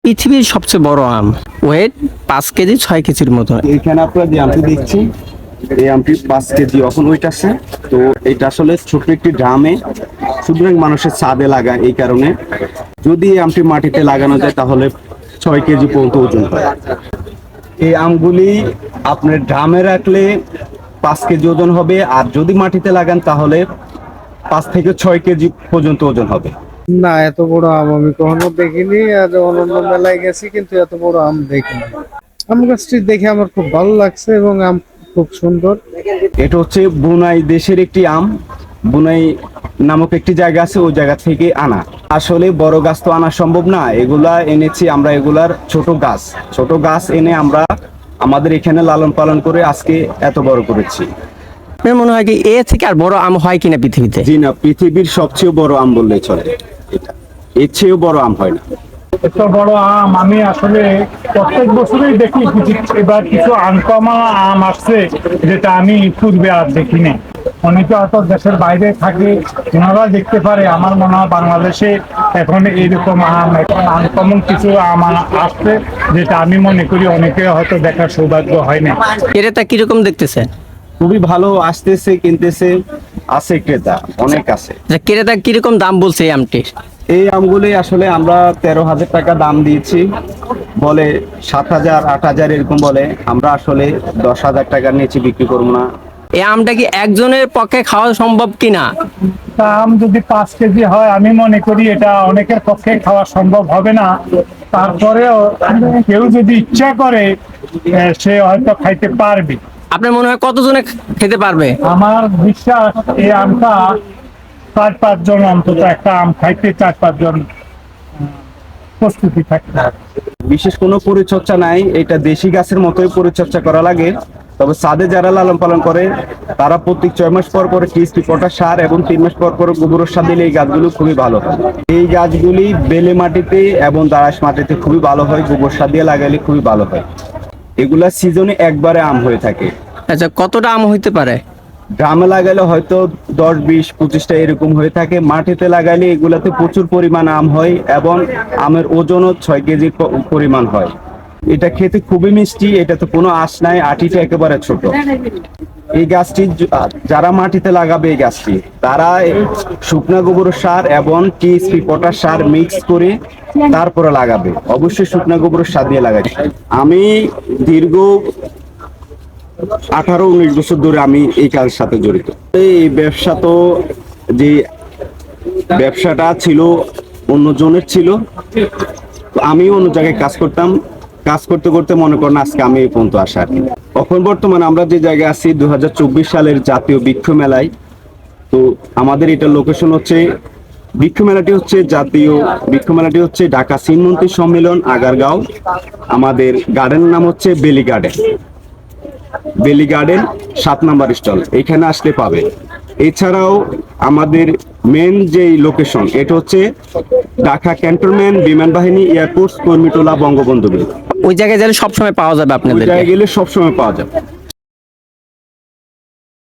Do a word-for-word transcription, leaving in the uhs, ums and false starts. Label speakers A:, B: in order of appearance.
A: পৃথিবীর সবচেয়ে বড় আম, ওয়েট পাঁচ কেজি ছয় কেজির মতো।
B: এখানে আপনারা যে আমটি দেখছি, এই আমটি পাঁচ কেজি এখন ওয়েট আছে। তো এটা আসলে ছোট একটি ড্রামে সুতরাং মানুষের ছাদে লাগায়, এই কারণে যদি এই আমটি মাটিতে লাগানো যায় তাহলে ছয় কেজি পর্যন্ত ওজন হয়। এই আমগুলি আপনার ড্রামে রাখলে পাঁচ কেজি ওজন হবে, আর যদি মাটিতে লাগান তাহলে পাঁচ থেকে ছয় কেজি পর্যন্ত ওজন হবে।
C: না, এত বড় আম আমি কখনো দেখিনি। আর অন্যান্য মেলায় গেছি কিন্তু এত বড় আম দেখিনি। আম গাছটি দেখে আমার খুব ভালো লাগছে এবং আম খুব সুন্দর।
B: এটা হচ্ছে বুনাই দেশের একটি আম। বুনাই নামক একটি জায়গা আছে, ওই জায়গা থেকে আনা। আসলে বড় গাছ তো আনা সম্ভব না, এগুলা এনেছি আমরা এগুলার ছোট গাছ। ছোট গাছ এনে আমরা আমাদের এখানে লালন পালন করে আজকে এত বড় করেছি।
A: আপনার মনে হয় কি এ থেকে আর বড় আম হয় কিনা পৃথিবীতে?
B: জি না, পৃথিবীর সবচেয়ে বড় আম বললে চলে। এটা এর চেয়েও বড় আম হয় না।
D: এত বড় আম আমি আসলে প্রত্যেক বছরই দেখি। এবার কিছু আনকমন আম আসছে যেটা আমি পূর্বে আর দেখিনি। অনেকে হয়তো দেশের বাইরে থাকে, ওনারা দেখতে পারে। আমার মনে হয় বাংলাদেশে এখন এইরকম আম এখন আনকমন কিছু আম আসছে যেটা আমি মনে করি অনেকে হয়তো দেখার সৌভাগ্য হয় না।
A: ক্রেতা কিরকম দেখতেছে?
B: খুবই ভালো আসতেছে, কিনতেছে, আছে ক্রেতা অনেক আছে।
A: আচ্ছা, ক্রেতা কিরকম দাম বলছে এই আমটির?
B: এই আমগুলি আসলে আমরা তেরো হাজার টাকা দাম দিয়েছি, বলে সাত হাজার আট হাজার এরকম বলে। আমরা আসলে দশ হাজার টাকা নিয়েছি, বিক্রি করবো না।
A: এই আমটা কি একজনের পক্ষে খাওয়া সম্ভব কিনা?
D: তা আম যদি পাঁচ কেজি হয় আমি মনে করি এটা অনেকের পক্ষে খাওয়া সম্ভব হবে না। তারপরেও কেউ যদি ইচ্ছা করে আহ, সে হয়তো খাইতে পারবে।
A: আপনার মনে হয় কতজনে খেতে পারবে?
D: আমার বিশ্বাস এই আমটা চার পাঁচজন অন্তত একটা আম খাইতে চার পাঁচজন প্রস্তুতি থাকতে হবে।
B: বিশেষ কোনো পরিচর্যা নাই, এটা দেশি গাছের মতোই পরিচর্যা করা লাগে। তবে ছাদে যারা লালন পালন করে তারা প্রত্যেক ছয় মাস পর পর টিএসপি পটাশ সার এবং তিন মাস পর পর গোবর সার দিলে এই গাছগুলো খুবই ভালো হয়। এই গাছগুলি বেলে মাটিতে এবং দাঁড়াস মাটিতে খুবই ভালো হয়, গোবর সার দিয়ে লাগাইলে খুবই ভালো হয়। এগুলা সিজনে একবারে আম হয়ে থাকে।
A: আচ্ছা, কতটা আম হইতে পারে?
B: ড্রামে লাগাইলে হয়তো দশ বিশ পঁচিশটা এরকম হয়ে থাকে। মাটিতে লাগাইলে এগুলাতে প্রচুর পরিমাণ আম হয় এবং আমের ওজনও ছয় কেজি পরিমাণ হয়। এটা খেতে খুবই মিষ্টি, এটাতে কোনো আঁশ নাই, আটিটা একেবারে ছোট। এই গাছটি যারা মাটিতে লাগাবে এই গাছটি, তারা শুকনা গোবর সার এবং টিএসপি পটাশ সার মিক্স করে তারপরে লাগাবে। অবশ্যই শুকনা গোবর সার দিয়ে লাগাবে। আমি দীর্ঘ আঠারো উনিশ বছর ধরে আমি এই কাজের সাথে জড়িত। এই ব্যবসা তো যে ব্যবসাটা ছিল অন্যজনের ছিল, আমি অন্য জায়গায় কাজ করতাম। কাজ করতে করতে মনে করেন আজকে আমি এই পর্যন্ত আসা আর কি। এখন বর্তমানে আমরা যে জায়গায় আছি দু হাজার চব্বিশ সালের জাতীয় বৃক্ষ মেলায়। তো আমাদের এটা লোকেশন হচ্ছে, বৃক্ষ মেলাটি হচ্ছে জাতীয় বৃক্ষ মেলাটি হচ্ছে ঢাকা শ্রীমন্তী সম্মেলন আগারগাঁও। আমাদের গার্ডেনের নাম হচ্ছে বেলি গার্ডেন। বেলি গার্ডেন সাত নাম্বার স্টল, এখানে আসলে পাবে। এছাড়াও আমাদের মেন যে লোকেশন এটা হচ্ছে ঢাকা ক্যান্টনমেন্ট বিমান বাহিনী এয়ারপোর্ট কর্মীটোলা বঙ্গবন্ধু।
A: ওই জায়গায় গেলে সবসময় পাওয়া যাবে
B: ওই
A: আপনাদের?
B: জায়গায় গেলে সবসময় পাওয়া যাবে।